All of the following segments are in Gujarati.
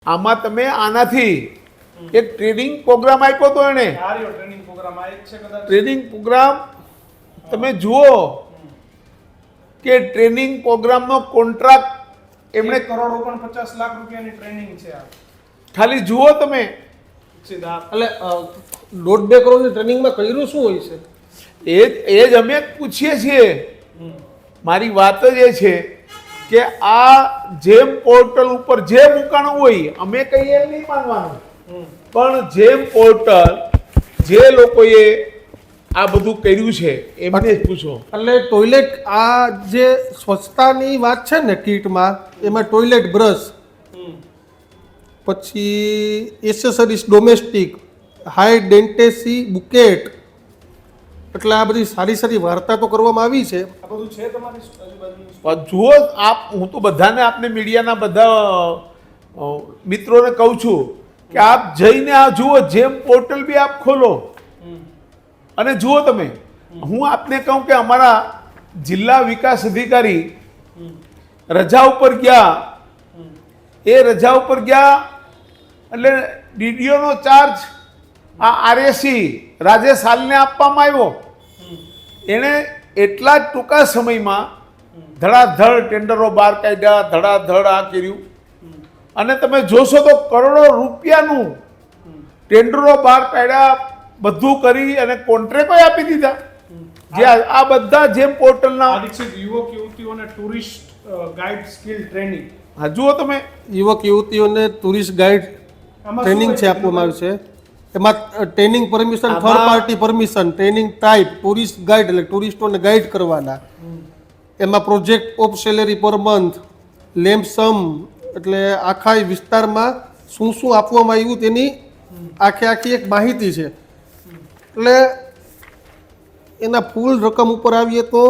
આમાં તમે આનાથી એક ટ્રેનિંગ પ્રોગ્રામ આપ્યો તો એને ટ્રેનિંગ પ્રોગ્રામ તમે જુઓ કે ટ્રેનિંગ પ્રોગ્રામનો કોન્ટ્રાક્ટ એમણે ₹1.50 લાખ ટ્રેનિંગ છે ખાલી જુઓ તમે એટલે 1.5-2 કરોડની ટ્રેનિંગમાં કર્યું શું હોય છે એ જ અમે પૂછીએ છીએ મારી વાત જ એ છે કે આ જેમ પોર્ટલ ઉપર જે મૂકાણું હોય અમે કહીએ નહીં માનવાનું પણ જેમ પોર્ટલ જે લોકોએ આ બધું કર્યું છે એમને જ પૂછો એટલે ટોયલેટ આ જે સ્વચ્છતાની વાત છે ને કીટમાં એમાં ટોયલેટ બ્રશ પછી એસેસરીઝ ડોમેસ્ટિક હાઈ ડેન્ટેસી બુકેટ એટલે આ બધી સારી સારી વાર્તા તો કરવામાં આવી છે આ બધું છે તમારી આજુબાજુ જુઓ આપ હું તો બધાને આપને મીડિયાના બધા મિત્રોને કહું છું કે આપ જઈને આ જુઓ જેમ પોર્ટલ બી આપ ખોલો અને જુઓ તમે હું આપને કહું કે અમારા જિલ્લા વિકાસ અધિકારી રજા ઉપર ગયા એ રજા ઉપર ગયા એટલે ડીડીઓનો ચાર્જ આ આરએસી રાજેશ હાલને આપવામાં આવ્યો એણે એટલા જ ટૂંકા સમયમાં ધડાધડ ટેન્ડરો બહાર કાઢ્યા ધડાધડ આ કર્યું અને તમે જોશો તો કરોડો રૂપિયાનું ટેન્ડરો બહાર કાઢ્યા બધું કરી અને કોન્ટ્રાક્ટો આપી દીધા જે આ બધા જેમ પોર્ટલના યુવક યુવતીઓને ટુરિસ્ટ ગાઈડ સ્કિલ ટ્રેનિંગ હા જુઓ તમે યુવક યુવતીઓને ટુરિસ્ટ ગાઈડ ટ્રેનિંગ છે આપવામાં આવ્યું છે એમાં training permission third party permission training type tourist guide એટલે ટુરિસ્ટોને ગાઈડ કરવાના એમાં project of salary per month lumpsum એટલે આખા વિસ્તારમાં શું શું આપવામાં આવ્યું તેની આખી એક માહિતી છે એટલે એના ફૂલ રકમ ઉપર આવીએ તો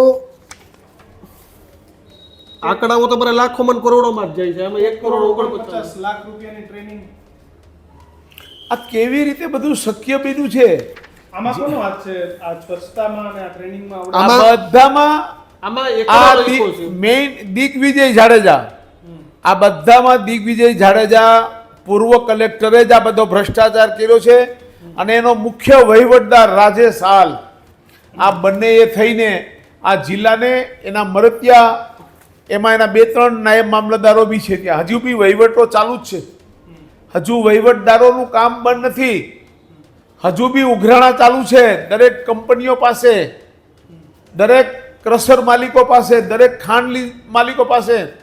આંકડાઓ તમારે લાખોમાં કરોડોમાં જ જાય છે આમાં 1 કરોડ 50 લાખ રૂપિયાની ટ્રેનિંગ આ કેવી રીતે બધું શક્ય બન્યું છે આમાં કોનો હાથ છે આ સ્વચ્છતામાં અને આ ટ્રેનિંગમાં આ બધામાં આમાં આ મેઇન દિગ્વિજય જાડેજા આ બધામાં દિગ્વિજય જાડેજા પૂર્વ કલેક્ટરે જ આ બધો ભ્રષ્ટાચાર કર્યો છે અને એનો મુખ્ય વહીવટદાર રાજેશ હાલ આ બંને એ થઈને આ જિલ્લાને એના મરતિયા એમાં એના 2-3 નાયબ મામલતદારો બી છે ત્યાં હજુ બી વહીવટો ચાલુ જ છે હજુ વહીવટદારોનું કામ બંધ નથી હજુ બી ઉઘરાણા ચાલુ છે દરેક કંપનીઓ પાસે દરેક ક્રશર માલિકો પાસે દરેક ખાંડ માલિકો પાસે